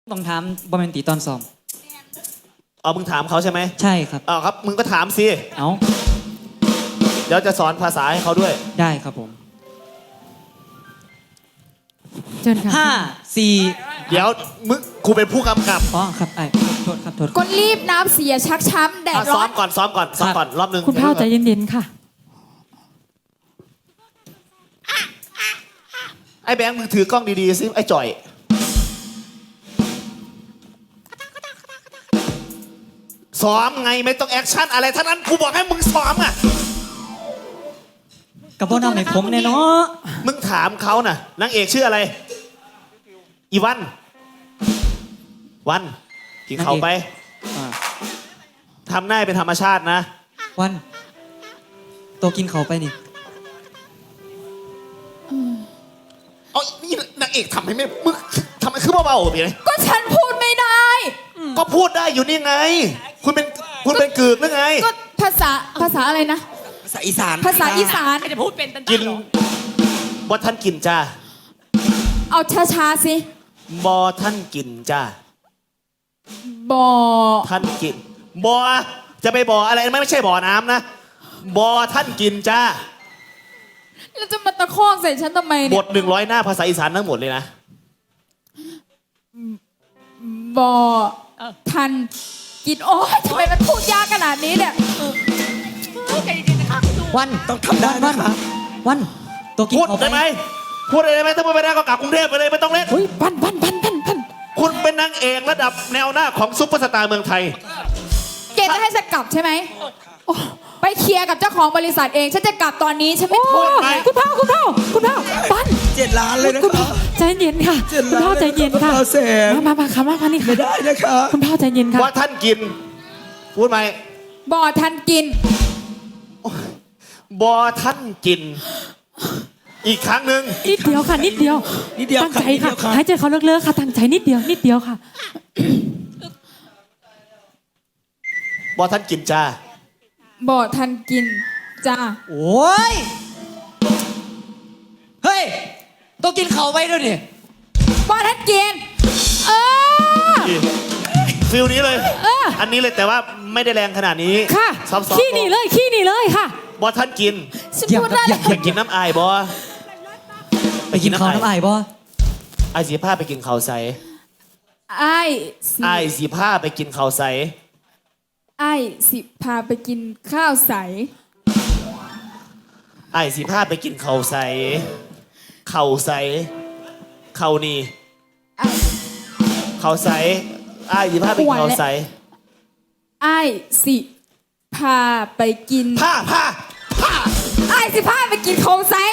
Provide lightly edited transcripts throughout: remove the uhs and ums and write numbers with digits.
ต้องถามบอมเมนตีตอนซ้อมมึงถามเขาใช่ไหมใช่ครับครับมึงก็ถามสิเอาเดี๋ยวจะสอนภาษาให้เขาด้วยได้ครับผมเชิญค่ะ 5 4 เดี๋ยวมึงครูเป็นผู้กำกับอ๋อครับไอ้โทษครับโทษก็รีบน้ำเสียชักช้ำแดดร้อนซ้อมก่อนรอบนึงคุณพ่อใจเย็นๆค่ะไอ้แบงค์มึงถือกล้องดีๆสิไอ้จ่อยซ้อมไงไม่ต้องแอคชั่นอะไรทั้งนั้นกูบอกให้มึงซ้อมอ่ะกับพ่อนำให้ผมเนี่ยเนาะมึงถามเขาน่ะนางเอกชื่ออะไรอีวันกินเขาไปทำหน้าเป็นธรรมชาตินะวันตัวกินเขาไปนี่นี่นางเอกทำให้ไม่มึงทำให้คือเบาๆไปเลยก็ฉันพูดไม่ได้ก็พูดได้อยู่นี่ไงคุณเป็นกึกหรือไงก็ภาษาอะไรนะภาษาอีสานจะพูดเป็นกินบอท่านกินจ้าเอาช้าๆสิบอท่านกินจ้าบอท่านกินบอจะไปบออะไรไม่ใช่บ่อน้ำนะบอท่านกินจ้าแล้วจะมาตะคอกใส่ฉันทำไมเนี่ยบท100 หน้าภาษาอีสานทั้งหมดเลยนะบอท่านกินโอ้ยทำไมมันพูดยากขนาดนี้เนี่ยวันต้องทำได้นะคะวันตัวกินพูดเขาไปได้ไหมพูดได้ไหมถ้าไม่ได้ก็กลับกรุงเทพไปเลยไม่ต้องเล่นพันคุณเป็นนางเอกระดับแนวหน้าของซุปเปอร์สตาร์เมืองไทยเกณฑ์จะให้ฉันกลับใช่ไหมไปเคลียร์กับเจ้าของบริษัทเองฉันจะกลับตอนนี้ฉันไม่พูดคุณพ่อปัน 7 ล้านเลยนะคะใจเย็นค่ะคุณพ่อใจเย็นค่ะมาค่ะมานี่ค่ะไม่ได้นะคะคุณพ่อใจเย็นค่ะว่าท่านกินพูดไหมบอท่านกินบอท่านกินอีกครั้งหนึ่งนิดเดียวค่ะนิดเดียวตั้งใจค่ะหายใจเขาเลิกๆค่ะตั้งใจนิดเดียวค่ะบอท่านกินจ้าบอท่านกินจ้าโอ้ยเฮ้ยตัวกินเขาไปด้วยดิบอท่านกินฟิลนี้เลยอันนี้เลยแต่ว่าไม่ได้แรงขนาดนี้ค่ะซ้อมขี้หนีเลยค่ะบอท่านกินอยากกินน้ำอายบอไปกินข้าวน้ำอายบอไอสีผ้าไปกินข้าวใสไอสีผ้าไปกินข้าวใสไอสิพาไปกินข้าวใสไอสีผ้าไปกินข้าวใสข้าวใสข้าวนี่ข้าวใสไอสีผ้าไปกินข้าวใสไอสิพาไปกินผ้าไอสิพาไปกินข้าวใส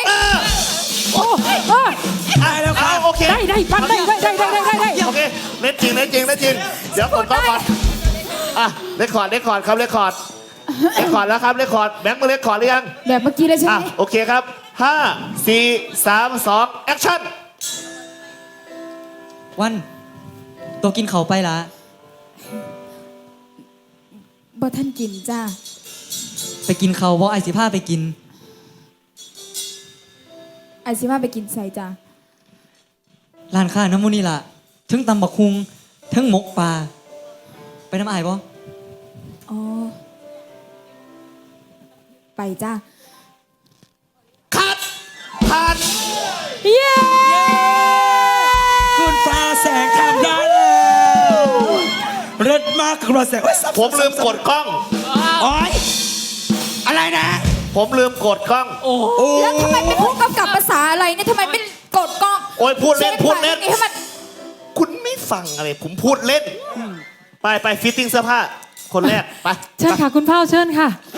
ได้แล้วครับโอเคได้ปันได้โอเคเล่นจริงเดี๋ยวก่อนเรคคอร์ดครับเรคคอร์ดแล้วครับเรคคอร์ดแบงค์มาเรคคอร์ดหรือยังแบบเมื่อกี้เลยใช่ไหมโอเคครับ5 4 3 2แอคชั่นวันตัวกินเขาไปละบ่ท่านกินจ้าไปกินเขาบ่ไอสิผ้าไปกินไอสิผ้าไปกินใส่จ้าร้านค้าน้ำมูนี่ล่ะถึงตำบักคุงถึงหมกปลาไปน้ำอายบ่อ๋อไปจ้าคัดผ่านเย้คุณฟ้าแสงทำได้แล้วเลิศมากคุณฟ้าแสงผมลืมกดกล้องโอ๊ยอะไรนะผมลืมกดกล้องแล้วทำไมไม่พูดกับภาษาอะไรเนี่ยทำไมไม่กดกล้องโอ้ยพูดเล่นคุณไม่ฟังอะไรผมพูดเล่นไปฟิตติ้งเสื้อผ้าคนแรกไปเชิญค่ะคุณพ่อเชิญค่ะ